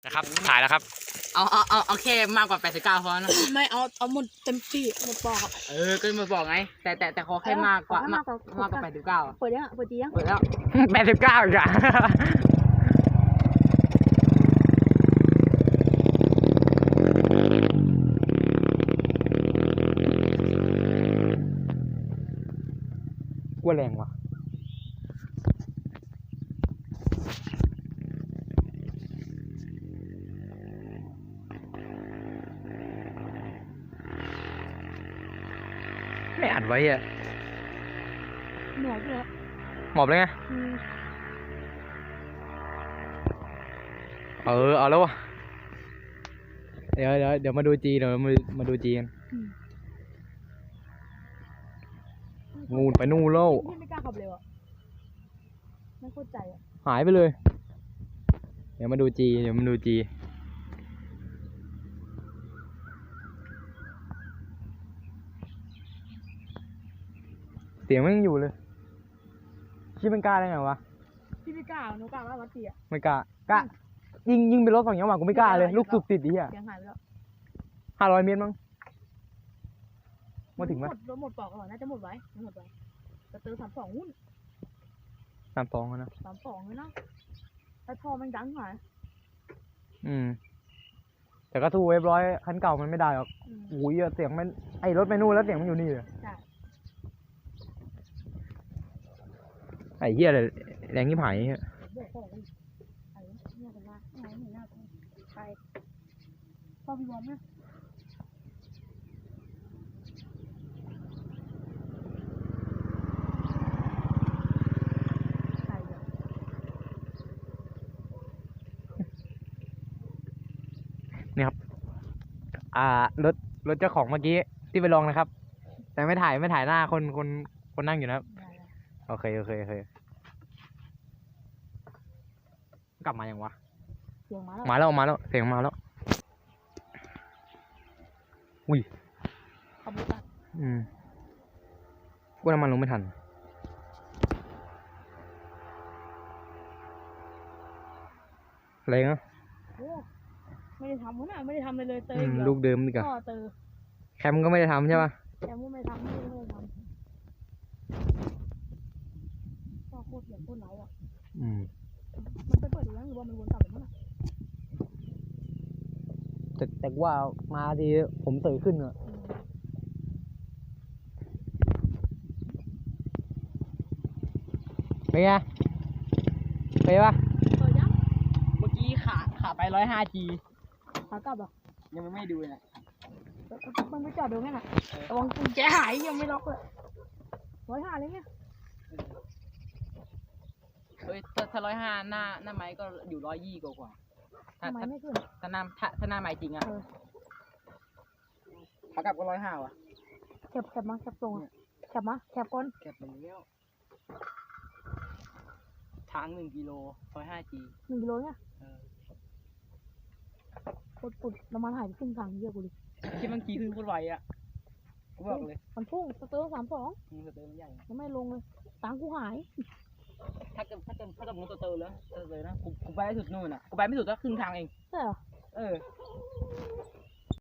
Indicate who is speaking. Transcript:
Speaker 1: นะครับถ่ายแล้วครับ
Speaker 2: เอาแค่มากกว่า89พอนะ
Speaker 3: ไม่เอาหมดเต็มที่หมดปอก
Speaker 2: ก็มาบอกไงแต่ขอแค่มากกว่า89
Speaker 3: เปิดยังเปิดจียัง
Speaker 2: เปิดแล้ว
Speaker 1: 89อีกอ่ะกลัวแรงว่ะไม่อัดไว้อะ
Speaker 3: หมอบเลย
Speaker 1: หมอบเลยไงเอาแล้ววะเดี๋ยวมาดูจีเดี๋ยวมาดูจีกันงูไปนู่นแล้ว
Speaker 3: พี่ไม่กล้าขับเร็วอ่ะไม่เข้าใจอ่ะ
Speaker 1: หายไปเลยเดี๋ยวมาดูจีเสียงมันยังอยู่เลยคิดเป็นกล้าได้ไงวะ
Speaker 3: พี่ไม่กล้าหนูกล้าว่าวัดเสีย
Speaker 1: ไม่กล้ยิงเป็นรถ2 จังหวะกูไม่กล้าเลยลูกสูบติดดิอ่ะ
Speaker 3: เสียงหายไปแล้ว
Speaker 1: 500 เมตรมั้งมาถึงไหม
Speaker 3: หมดปอกก่อนน่าจะหมดไว้จะเติม32หุ้น
Speaker 1: 32นะ
Speaker 3: 32เลยนะแต่ท่อมันดังหน่อย
Speaker 1: แต่ก็สู้F100คันเก่ามันไม่ได้หรอกโอ้ยเสียงมันไอรถไปนู่นแล้วเสียงมันอยู่นี่เลยไอ้เหี้ยอะไรแรงที่ผาย
Speaker 3: พ่อพี่บอมไหม
Speaker 1: นี่ครับรถเจ้าของเมื่อกี้ที่ไปลองนะครับแต่ไม่ถ่ายหน้าคนนั่งอยู่นะครับโอเคกลับมายังวะ
Speaker 3: เสียงมา
Speaker 1: แล้วเสียงมาแล้วอุ้ย
Speaker 3: ขอบคุณ
Speaker 1: กูน้ำมันลงไม่ทันอะไรเนาะ
Speaker 3: ไม่ได้ทำนะไม่ได้ทำเลยเตย
Speaker 1: ลูกเดิมอีกอะแคมก็ไม่ได้ทำใช่ป่ะ
Speaker 3: แคมก็ไม่ทำก็โคตรเสียงโคตรไหลอ่ะมันไปเปิดดูแล้วหรือว่ามันวนกลับหรือเปล่า
Speaker 1: แต่ว่ามาทีผมเตยขึ้นอะเป็นไงไปปะ
Speaker 2: เมื่อกี้ขาไป105G
Speaker 3: ขากลับอ่ะ
Speaker 2: ยังไม่ดูเลย
Speaker 3: มันไปจอดดูไงน่ะระวังกุญแจหายยังไม่ล็อกเลย105เลยเนี่ย
Speaker 2: ถ้า105หน้าไม้ก็อยู่120กว่า
Speaker 3: ทำไมไม่ขึ้น
Speaker 2: ถ้าหน้าไม้จริงอะขากลับก็105ว่ะ
Speaker 3: แคบมาแคบตรงแคบก้น
Speaker 2: แคบไปแล้วทาง1 กิโล105G
Speaker 3: 1 กิโลเนี่ยปุดน้ำมันหายไปครึ่งทางเยอะกูดิ
Speaker 2: ที่มันขี่ขึ้นโคตรไวอ่ะกูบอกเลย
Speaker 3: มันพุ่งสเตอร์32
Speaker 2: สเตอร์มันใหญ่
Speaker 3: ยังไม่ลงเลยตังกูหาย
Speaker 2: ถ้าเกิดมึงสเตอร์แล้วนะกูไปได้สุดนู่นอ่ะกูไปไม่สุดก็ครึ่งทางเอง
Speaker 3: ใช่เหรอ